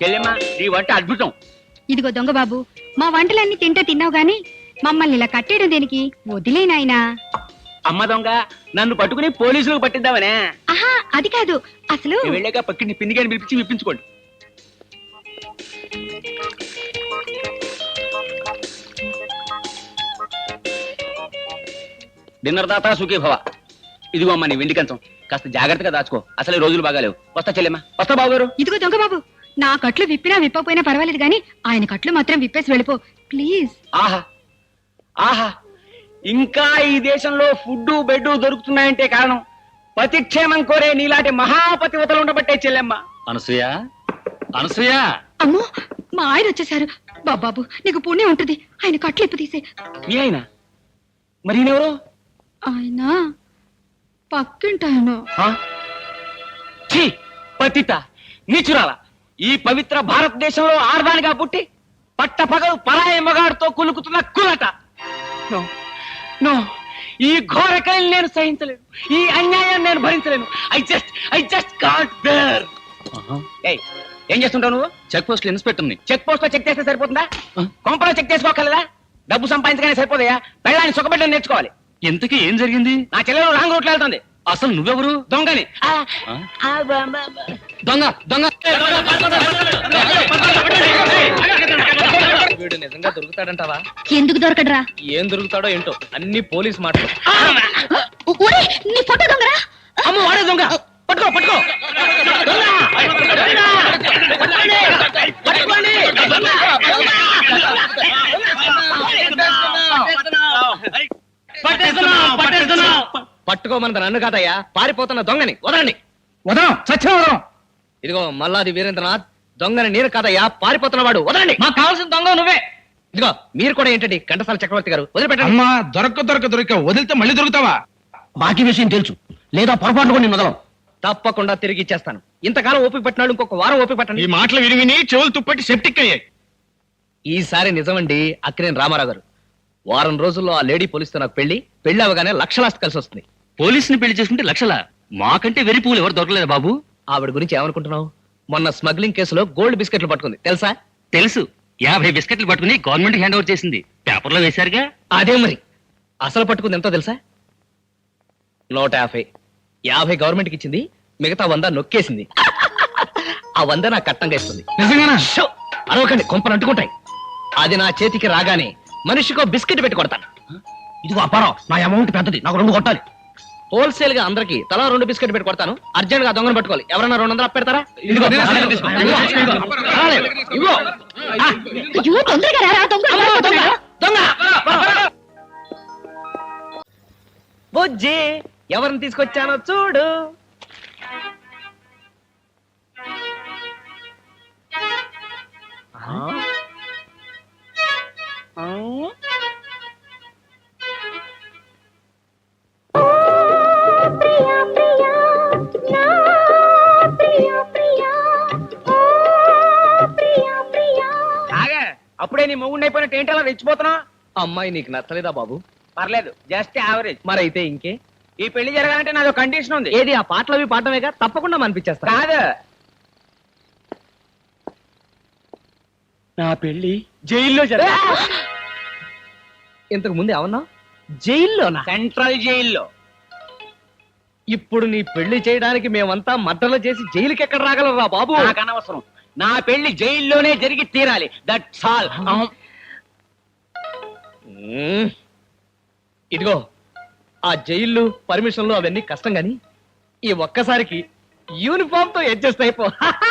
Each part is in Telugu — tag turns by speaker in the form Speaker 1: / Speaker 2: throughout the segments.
Speaker 1: చెల్లెమ్మా నీ వంట అద్భుతం.
Speaker 2: ఇదిగో దొంగ బాబు, మా వంటలన్నీ తింటే తిన్నావు గాని మమ్మల్ని ఇలా కట్టేయడం దేనికి? వదిలే నాయనా.
Speaker 1: అమ్మ దొంగ, నన్ను పట్టుకుని పోలీసులకు పట్టిద్దామనే.
Speaker 2: ఆహా, అది కాదు. అసలు
Speaker 1: నేను వెళ్ళాక పక్కింటి పిండిగాని పిలిపించి విప్పించుకోండి. డిన్నర్ దాతా సుఖీ భవ. ఇదిగో అమ్మా నీ వెండి కంచం, కాస్త జాగ్రత్తగా దాచుకో. అసలు ఈ రోజులు బాగాలేవు. వస్తా చెల్లెమ్మా. వస్తా బాబు గారు.
Speaker 2: ఇదిగో దొంగ బాబు, నా కట్లు విప్పినా విప్పకపోయినా పర్వాలేదు గాని ఆయన కట్లు మాత్రం విప్పేసి వెళ్ళిపో ప్లీజ్.
Speaker 1: ఆహా ఆహా, ఇంకా ఈ దేశంలో ఫుడ్ బెడ్ దొరుకుతున్నాయంటే కారణం పతిక్షేమం కోరే నీలాంటి మహాపతివతలు ఉండబట్టే చెల్లెమ్మ.
Speaker 3: అనసూయ, అనసూయ.
Speaker 2: అమ్మో, మా ఆయన వచ్చేసారు. బాబాబు నీకు పుణ్యం ఉంటుంది, ఆయన కట్లు ఇప్పు తీసే.
Speaker 1: మీ ఆయన మరి ఈయనెవరు?
Speaker 2: ఆయన పక్కింటాయన.
Speaker 1: ఛీ, పతిత నీచురాల. ఈ పవిత్ర భారతదేశంలో ఆర్దానిగా పుట్టి పట్టపగలు పరాయి మగాడితో కులుకుతున్న కులట. నో నో, ఈ ఘోరకల్ని నేను సహించలేను, ఈ అన్యాయం నేను భరించలేను. I just can't bear. ఏం చేస్తుంటావు నువ్వు?
Speaker 3: చెక్ పోస్ట్ ఇన్స్పెక్టర్ ని.
Speaker 1: చెక్ పోస్ట్ లో చెక్ చేస్తే సరిపోతుందా? కొంపలో చెక్ చేసుకోగలదా? డబ్బు సంపాదించగానే సరిపోదయా? పెళ్ళాన్ని సుఖపెట్టని నేర్చుకోవాలి.
Speaker 3: ఎంతకీ ఏం జరిగింది?
Speaker 1: నా చెల్లెలు రాంగ్ రూట్లో వెళ్తుంది.
Speaker 3: అసలు నువ్వెవరు?
Speaker 1: దొంగని.
Speaker 3: దొంగ దొంగ.
Speaker 4: వీడు నిజంగా దొరుకుతాడంటావా?
Speaker 2: ఎందుకు దొరకడరా?
Speaker 4: ఏం దొరుకుతాడో ఏంటో, అన్ని పోలీస్ మాటలు.
Speaker 2: నీ ఫోటో దొంగరా?
Speaker 1: అమ్మ వాడే దొంగ. పట్టుకో పట్టుకో.
Speaker 4: పట్టుకోమన్నది నన్ను కాదయ్యా, పారిపోతున్న దొంగని వదలండి.
Speaker 1: వదలం, సత్యం వదలం.
Speaker 4: ఇదిగో మల్లాది వీరేంద్రనాథ్, దొంగని నేను కాదయ్యా, పారిపోతున్న వాడు. వదలండి.
Speaker 1: మాకు కావాల్సిన దొంగ నువ్వే.
Speaker 4: ఇదిగో మీరు కూడా ఏంటండి ఘంటసాల చక్రవర్తి గారు, వదిలిపెట్టండి.
Speaker 5: అమ్మా, దొరక వదిలితే మళ్ళీ దొరుకుతావా?
Speaker 1: బాకీ విషయం తెలుసు, లేదా పొరపాటు కూడా నేను వదలం.
Speaker 4: తప్పకుండా తిరిగి ఇచ్చేస్తాను. ఇంతకాలం ఓపిక పట్టినాడు, ఇంకొక వారం ఓపిక
Speaker 5: ఈ
Speaker 4: పట్టండి.
Speaker 5: మాటలు విని చెవులు తుప్పట్టి సెప్టిక్ అయ్యాయి.
Speaker 4: ఈసారి నిజమండి అక్కినేని రామారావు గారు. వారం రోజుల్లో ఆ లేడీ పోలీసుతో నాకు పెళ్లి అవగానే లక్షలాస్తి కలిసి వస్తుంది.
Speaker 3: పోలీసుని పెళ్లి చేసుకుంటే లక్షల? మాకంటే వెరి పువ్వులు ఎవరు దొరకలేదు బాబు.
Speaker 4: ఆవిడ గురించి ఏమనుకుంటున్నావు? మొన్న స్మగ్లింగ్ కేసులో గోల్డ్ బిస్కెట్లు పట్టుకుంది, తెలుసా?
Speaker 3: తెలుసు. 50 బిస్కెట్లు పట్టుకుని గవర్నమెంట్ హ్యాండ్ ఓవర్ చేసింది. పేపర్లో వేశారుగా.
Speaker 4: అదే మరి. అసలు పట్టుకుంది ఎంతో తెలుసా? 150. 50 గవర్నమెంట్కి ఇచ్చింది, మిగతా 100 నొక్కేసింది. ఆ 100 నాకు కట్టంగా ఇస్తుంది.
Speaker 5: నిజంగానా?
Speaker 4: షో! అరవకండి, కొంపలు అంటుకుంటాయి. అది నా చేతికి రాగానే మనిషికో బిస్కెట్ పెట్టి కొడతాను.
Speaker 1: ఇదిగో అపారం, నా అమౌంట్ పెద్దది, నాకు 2 కొట్టాలి.
Speaker 4: హోల్సేల్ గా అందరికి తలా 2 బిస్కెట్ పెట్టి కొడతాను. అర్జెంట్ గా దొంగను పట్టుకోవాలి. ఎవరన్నా 200 అప్పెడతారా?
Speaker 1: ఇదిగో.
Speaker 4: ఇవ్వు.
Speaker 2: అయ్యో, తొందరగా రారా, దొంగ.
Speaker 4: బుజ్జి, ఎవరిని తీసుకొచ్చానో చూడు.
Speaker 1: అప్పుడే నీ మొగుండి అయిపోయినట్టు ఏంటి అలా రెచ్చిపోతున్నావు?
Speaker 4: అమ్మాయి నీకు నచ్చలేదా బాబు?
Speaker 1: పర్లేదు, జస్ట్ యావరేజ్.
Speaker 4: మరైతే ఇంకే.
Speaker 1: ఈ పెళ్లి జరగాలంటే నాదో కండిషన్ ఉంది.
Speaker 4: ఏది? ఆ పాటలు అవి పాడటమేగా, తప్పకుండా మనిపించేస్తా.
Speaker 1: కాదు, నా పెళ్లి జైల్లో జరగాలి.
Speaker 4: ఇంతకు ముందు ఏమన్నా? జైల్లోనా?
Speaker 1: సెంట్రల్ జైల్లో.
Speaker 4: ఇప్పుడు నీ పెళ్లి చేయడానికి మేమంతా మద్దలు చేసి జైలుకి ఎక్కడ రాగలరా బాబు?
Speaker 1: నాకు అనవసరం, నా పెళ్లి జైల్లోనే జరిగి తీరాలి. That's all.
Speaker 4: ఇదిగో, ఆ జైళ్ళు పర్మిషన్లు అవన్నీ కష్టం గాని ఈ ఒక్కసారికి యూనిఫామ్ తో అడ్జస్ట్ అయిపో.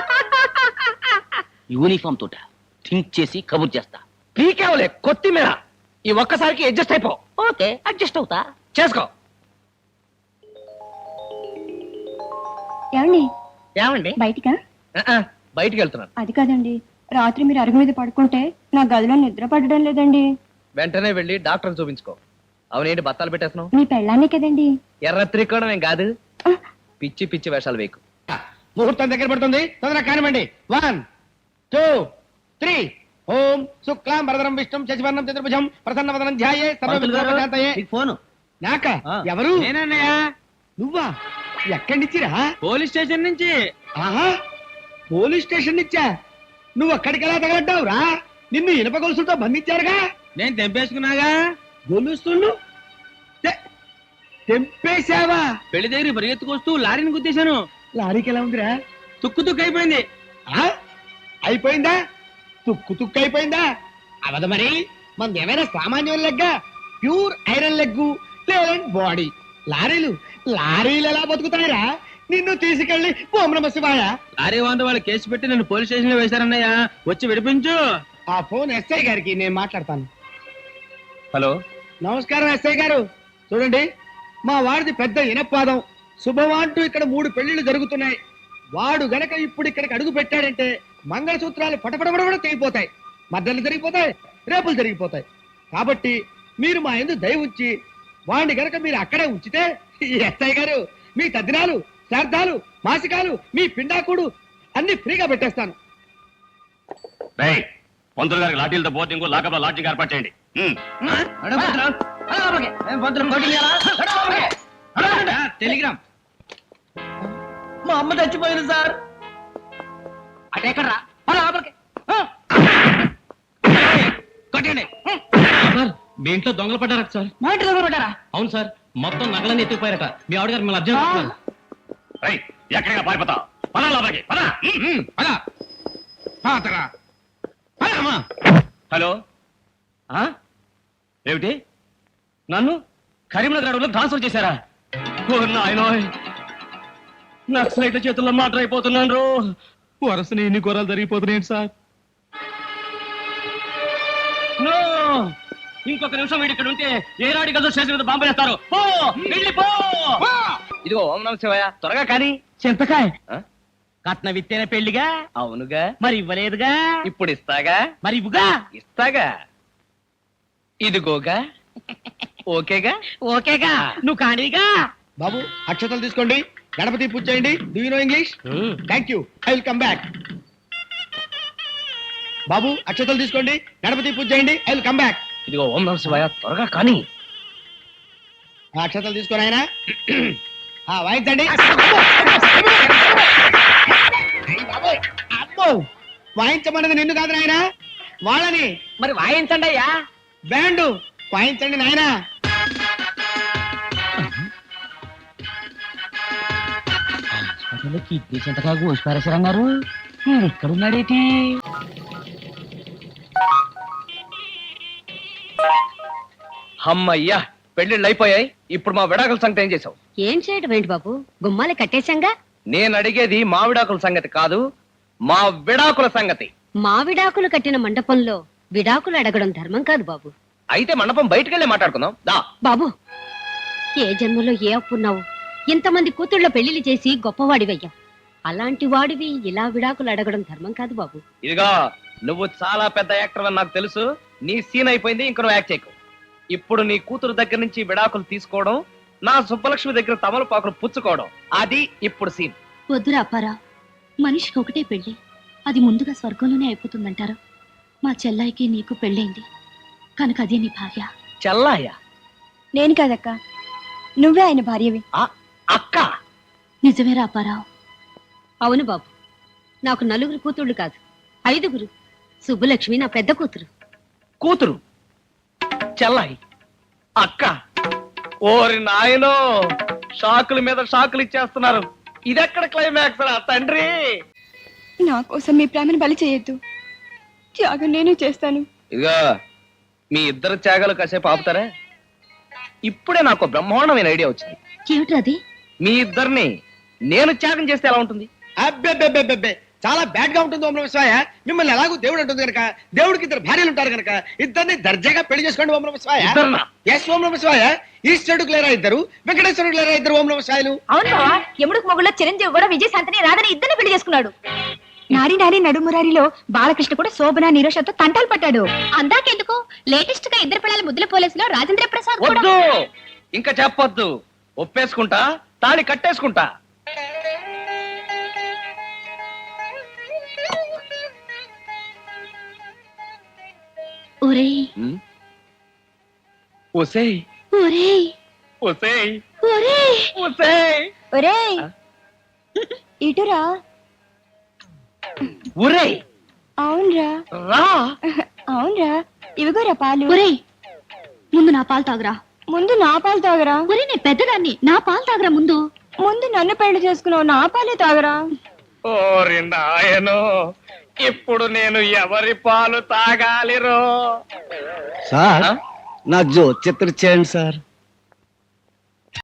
Speaker 1: యూనిఫామ్ తోట థింక్ చేసి కబుర్ చేస్తా.
Speaker 4: పీకేవలే కొత్తిమీర. ఈ ఒక్కసారికి అడ్జస్ట్ అయిపో.
Speaker 1: ఓకే, అడ్జస్ట్ అవుతా.
Speaker 4: చేసుకో.
Speaker 2: ఏమండి?
Speaker 4: ఏమండి?
Speaker 2: బయటికా?
Speaker 4: బయటికి వెళ్తున్నాను.
Speaker 2: అది కాదండి, రాత్రి మీరు అరుగు మీద పడుకుంటే నా గదిలో నిద్ర పడడం లేదండి.
Speaker 4: వెంటనే వెళ్ళి డాక్టర్ చూపించుకో. అవునేంటి బత్తాలు పెట్టేస్తున్నావు?
Speaker 2: మీ పెళ్ళాన్నే కదండి.
Speaker 4: ఎర్ర త్రికోణం ఏం కాదు. పిచ్చి పిచ్చి వేషాలు వేయకు.
Speaker 5: ముహూర్తం దగ్గర పడుతుంది, తొందరగా కానివ్వండి. 1 2 3. ఓం శుక్లాం వరదరం విష్ణుం శశివర్ణం చతుర్భుజం ప్రసన్నవదనం ధ్యాయే సర్వవిఘ్నోపశాంతయే.
Speaker 4: ఫోను
Speaker 5: నాక? ఎవరు?
Speaker 1: నేనన్నయ్య.
Speaker 5: నువ్వా? ఎక్కడి నుంచిరా?
Speaker 1: పోలీస్ స్టేషన్ నుంచి.
Speaker 5: ఆహా, పోలీస్ స్టేషన్ నుంచా? నువ్వు అక్కడికి ఎలా తగలడ్డావురా? నిన్ను ఇనప గొలుసులతో బంధించారుగా.
Speaker 1: నేను తెంపేసుకున్నాగా.
Speaker 5: గొలుస్తుళ్ళు తెంపేశావా?
Speaker 1: పెళ్లి దగ్గర పరిగెత్తుకొస్తూ లారీని గుద్దేశాను.
Speaker 5: లారీకి ఎలా ఉందిరా?
Speaker 1: తుక్కు తుక్కు అయిపోయింది.
Speaker 5: ఆ? అయిపోయిందా? తుక్కు తుక్కు అయిపోయిందా? అవదు మరి. మనది ఏమైనా సామాన్యం లెగ్గా? ప్యూర్ ఐరన్ లెగ్గు, లేదంటే బాడీ. లారీలు ఎలా బతుకుతాయిరా? నిన్ను తీసుకెళ్లి ఓం నమ శివాయ.
Speaker 1: లారీ వాంట వాళ్ళు కేసు పెట్టి నన్ను పోలీస్ స్టేషన్ లో వేశారన్నయ్య. వచ్చి విడిపించు.
Speaker 5: ఆ ఫోన్ ఎస్ఐ గారికి నేను మాట్లాడతాను.
Speaker 4: హలో,
Speaker 5: నమస్కారం ఎస్ఐ గారు. చూడండి, మా వాడిది పెద్ద ఇనపాదం. శుభవాంటూ ఇక్కడ 3 పెళ్లిళ్ళు జరుగుతున్నాయి. వాడు గనక ఇప్పుడు ఇక్కడికి అడుగు పెట్టాడంటే మంగళసూత్రాలు పటపడబడ తెగిపోతాయి, మద్దలు జరిగిపోతాయి, రేపులు జరిగిపోతాయి. కాబట్టి మీరు మా యందు దయ ఉంచి వాడిని గనక మీరు అక్కడే ఉంచితే ఎస్ఐ గారు మీ తద్దినాలు, శ్రాద్ధాలు, మాసికాలు, మీ పిండాకుడు అన్ని ఫ్రీగా పెట్టేస్తాను.
Speaker 3: పంతులు గారికి లాఠీలతో బోర్డింగ్ లాకప్ లో లాడ్జింగ్ ఏర్పాటు చేయండి.
Speaker 1: టెలిగ్రామ్. మా అమ్మ చచ్చిపోయింది సార్. అటెక్కడ్రా? కొట్టండి.
Speaker 3: సార్, మీ ఇంట్లో దొంగలు పడ్డారట సార్.
Speaker 1: మా ఇంటి దగ్గర పడ్డారా?
Speaker 3: అవును సార్, మొత్తం నగలన్నీ ఎత్తుకుపోయారట. మీ ఆవిడగారు మిమ్మల్ని అర్జెంట్. ఎక్కడికి పారిపోతా? పదా లోపలికి పదా. హలో, ఏమిటి? నన్ను కరీంనగర్ అడవులకు ట్రాన్స్ఫర్ చేశారా? ఓ నాయనోయ్, నక్సలైట్ల చేతుల్లో మాటర్ అయిపోతున్నాను. వరసని ఇన్ని ఘోరాలు జరిగిపోతున్నాయి సార్. నో, ఇంకొక నిమిషం వీడి ఇక్కడ ఉంటే ఏ రాడి గదో స్టేషన్ మీద బాంబు వేస్తారు. పో, వెళ్ళిపో.
Speaker 4: ఇదిగో ఓం నమ శివాయ, త్వరగా కానీ.
Speaker 1: చింతకాయ కట్న విత్తేన పెళ్లిగా.
Speaker 4: అవునుగా,
Speaker 1: మరి ఇవ్వలేదుగా.
Speaker 4: ఇప్పుడు ఇస్తాగా.
Speaker 1: మరి ఇవ్వుగా.
Speaker 4: ఇస్తాగా. ఇదిగోగా. ఓకేగా.
Speaker 1: ఓకేగా. నువ్వు కానీగా.
Speaker 5: బాబు, అక్షతలు తీసుకోండి, గణపతి పూజ చేయండి. Do you know English? Thank you, I will come back. బాబు, అక్షతలు తీసుకోండి, గణపతి పూజ చేయండి. I will come back.
Speaker 4: ఇదిగో ఓం నమ శివాయ, త్వరగా కానీ.
Speaker 5: ఆ అక్షతలు తీసుకొని ఆయన వాయించండి. అమ్మో, వాయించమన్నది నిన్ను కాదు నాయన, వాళ్ళని.
Speaker 1: మరి వాయించండి అయ్యా.
Speaker 5: బ్యాండ్ వాయించండి నాయన.
Speaker 1: కిడ్నీ చింతకాయ కోసిపారేశారన్నారు. నేను ఎక్కడున్నాడేటి?
Speaker 4: అమ్మయ్యా, పెళ్లిళ్ళు అయిపోయాయి. ఇప్పుడు మా విడాకుల సంగతి ఏం చేసావు?
Speaker 2: ఏం చేయడం ఏంటి బాబు, గుమ్మాలే కట్టేశాంగా.
Speaker 4: నేను అడిగేది మా విడాకుల సంగతి కాదు, మా విడాకుల సంగతి.
Speaker 2: మా విడాకులు కట్టిన మండపంలో విడాకులు అడగడం ధర్మం కాదు బాబు.
Speaker 4: అయితే మండపం బయటకెళ్ళి మాట్లాడుకుందాం దా.
Speaker 2: బాబు, ఏ జన్మలో ఏ అప్పున్నావు? ఇంతమంది కూతుళ్ళ పెళ్లిళ్ళు చేసి గొప్పవాడివయ్యా. అలాంటి వాడివి ఇలా విడాకులు అడగడం ధర్మం కాదు బాబు.
Speaker 4: ఇదిగా, నువ్వు చాలా పెద్ద యాక్టర్ అని నాకు తెలుసు. నీ సీన్ అయిపోయింది, ఇంక నువ్వు యాక్ట్ చేయకు. ఇప్పుడు నీ కూతురు దగ్గర నుంచి విడాకులు తీసుకోవడం, నా సుబ్బలక్ష్మి దగ్గర తమలపాకులు పుచ్చుకోవడం, అది ఇప్పుడు సీన్.
Speaker 6: వద్దురా అప్పారా, మనిషికి ఒకటే పెళ్లి, అది ముందుగా స్వర్గంలోనే అయిపోతుందంటారు. మా చెల్లాయికి నీకు పెళ్ళైంది కనుక అదే నీ భార్య.
Speaker 4: చెల్లాయ?
Speaker 6: నేను కాదక్క, నువ్వే ఆయన భార్యవి.
Speaker 4: అక్క?
Speaker 6: నిజమేరా అప్పారావు?
Speaker 2: అవును బాబు, నాకు 4 కూతుళ్ళు కాదు, 5. సుబ్బలక్ష్మి నా పెద్ద కూతురు.
Speaker 4: కూతురు, చెల్లాయి, అక్క. ఓరి నాయనో, షాకుల మీద షాకులు ఇచ్చేస్తున్నారు. ఇదెక్కడ క్లైమాక్స్ రా తండ్రి?
Speaker 6: నా కోసం మీ ప్రేమను బలి చేయొద్దు, త్యాగం నేను చేస్తాను.
Speaker 4: ఇదిగా, మీ ఇద్దరు త్యాగాలు కాసేపు ఆపుతారా? ఇప్పుడే నాకు బ్రహ్మాండమైన ఐడియా వచ్చింది.
Speaker 6: ఏమిట్రది?
Speaker 4: మీ ఇద్దరిని నేను త్యాగం చేస్తే ఎలా ఉంటుంది?
Speaker 5: అబ్బెబ్బెబ్బెబ్బెబ్బే, చాలా బ్యాడ్ గా ఉంటుంది ఓం నమ శివాయ. మిమ్మల్ని ఎలాగో దేవుడు ఉంటుంది కనుక, దేవుడికి 2 భార్యలు ఉంటారు కనుక, ఇద్దరిని దర్జాగా పెళ్లి చేసుకోండి ఓం నమ శివాయ.
Speaker 4: ఇద్దరునా?
Speaker 5: ఎస్ ఓం నమ శివాయ. ఈశ్వరుడికి లేరా 2, వెంకటేశ్వరుడికి లేరా 2 ఓం నమ శివాయలు.
Speaker 6: అవును బావా, యముడికి మొగుళ్ళ చిరంజీవి కూడా విజయశాంతిని రాధని ఇద్దరిని పెళ్లి చేసుకున్నాడు. నారి నారి నడుమురారిలో బాలకృష్ణ కూడా శోభన నిరోషతో తంటాలు పట్టాడు. అందాకెందుకు, లేటెస్ట్ గా 2 పిల్లల ముద్దుల పోలీసులో రాజేంద్ర ప్రసాద్ కూడా.
Speaker 4: వద్దు, ఇంకా చెప్పొద్దు. ఒప్పేసుకుంటా, తాళి కట్టేసుకుంటా.
Speaker 6: ఒరేయ్
Speaker 4: ఒసేయ్,
Speaker 6: ఒరేయ్
Speaker 4: ఒసేయ్,
Speaker 6: ఒరేయ్
Speaker 4: ఒసేయ్,
Speaker 6: ఒరేయ్, ఇటురా.
Speaker 4: ఒరేయ్,
Speaker 6: అవునరా
Speaker 1: రా.
Speaker 6: అవునరా ఇవిగోరా పాలు
Speaker 2: ఒరేయ్ ముందు నా పాలు తాగురా.
Speaker 6: ముందు నా పాలు తాగరా
Speaker 2: ఒరే నేను పెద్దదాన్ని, నా పాలు తాగురా ముందు.
Speaker 6: ముందు నన్ను పెళ్లి చేసుకున్నావు నా పాలే తాగరా
Speaker 4: ఓరి నాయనో, ఇప్పుడు నేను ఎవరి పాలు తాగాలిరో?
Speaker 5: సార్ నా జో చిత్ర చేయండి సార్.